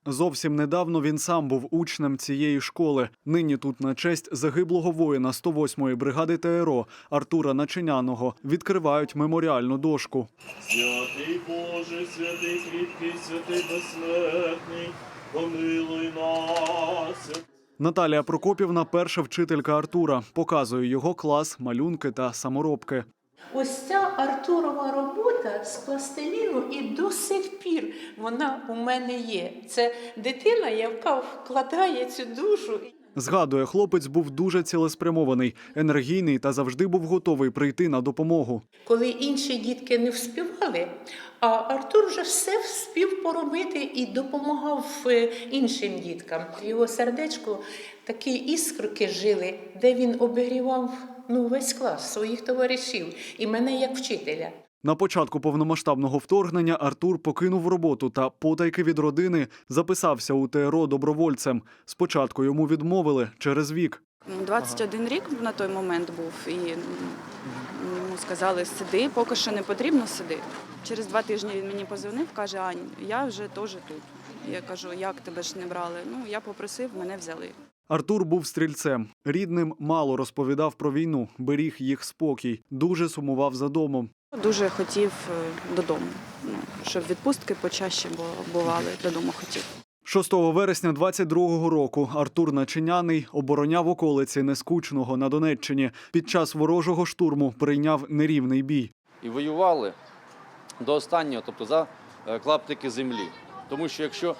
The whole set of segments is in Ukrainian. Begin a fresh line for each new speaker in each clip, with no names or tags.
Зовсім недавно він сам був учнем цієї школи. Нині тут на честь загиблого воїна 108-ї бригади ТРО Артура Начиняного відкривають меморіальну дошку.
Святий Боже, святий кріпкий, святий безсмертний, помилуй нас.
Наталія Прокопівна – перша вчителька Артура. Показує його клас, малюнки та саморобки.
Ось ця Артурова робота з пластиліну і до сих пір вона у мене є. Це дитина, яка вкладає цю душу.
Згадує, хлопець був дуже цілеспрямований, енергійний та завжди був готовий прийти на допомогу.
Коли інші дітки не вспівали, а Артур вже все вспів поробити і допомагав іншим діткам. В його сердечку такі іскорки жили, де він обігрівав весь клас своїх товаришів і мене як вчителя.
На початку повномасштабного вторгнення Артур покинув роботу та потайки від родини записався у ТРО добровольцем. Спочатку йому відмовили через вік.
21 рік на той момент був, і йому сказали, сиди, поки що не потрібно, сиди. Через 2 тижні він мені подзвонив, каже, Ань, я вже теж тут. Я кажу, як тебе ж не брали? Я попросив, мене взяли.
Артур був стрільцем. Рідним мало розповідав про війну, беріг їх спокій, дуже сумував за домом.
Дуже хотів додому, щоб відпустки почаще бували, додому хотів.
6 вересня 22-го року Артур Начиняний обороняв околиці Нескучного на Донеччині. Під час ворожого штурму прийняв нерівний бій.
І воювали до останнього, тобто за клаптики землі. Тому що якщо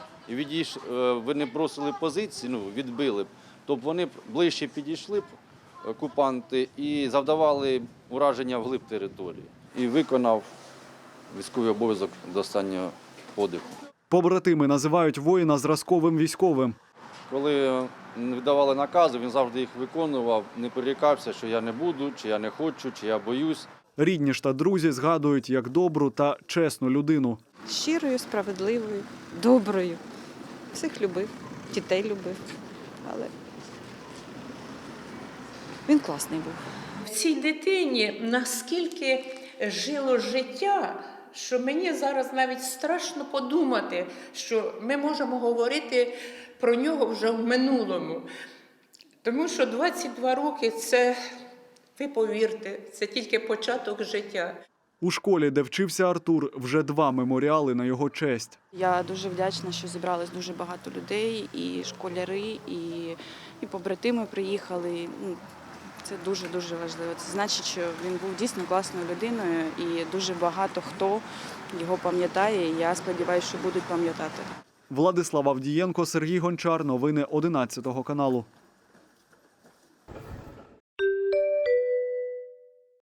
ви не бросили позиції, відбили б, то вони б ближче підійшли б, окупанти, і завдавали ураження вглиб території. І виконав військовий обов'язок до останнього подиху.
Побратими називають воїна зразковим військовим.
Коли видавали накази, він завжди їх виконував, не перерікався, що я не буду, чи я не хочу, чи я боюсь.
Рідні ж та друзі згадують як добру та чесну людину.
Щирою, справедливою, доброю. Всіх любив, дітей любив, але він класний був.
В цій дитині наскільки жило життя, що мені зараз навіть страшно подумати, що ми можемо говорити про нього вже в минулому. Тому що 22 роки – це, ви повірте, це тільки початок життя.
У школі, де вчився Артур, вже 2 меморіали на його честь.
Я дуже вдячна, що зібралось дуже багато людей, і школяри, і побратими приїхали. Це дуже-дуже важливо. Це значить, що він був дійсно класною людиною, і дуже багато хто його пам'ятає, і я сподіваюся, що будуть пам'ятати.
Владислав Авдієнко, Сергій Гончар. Новини 11 каналу.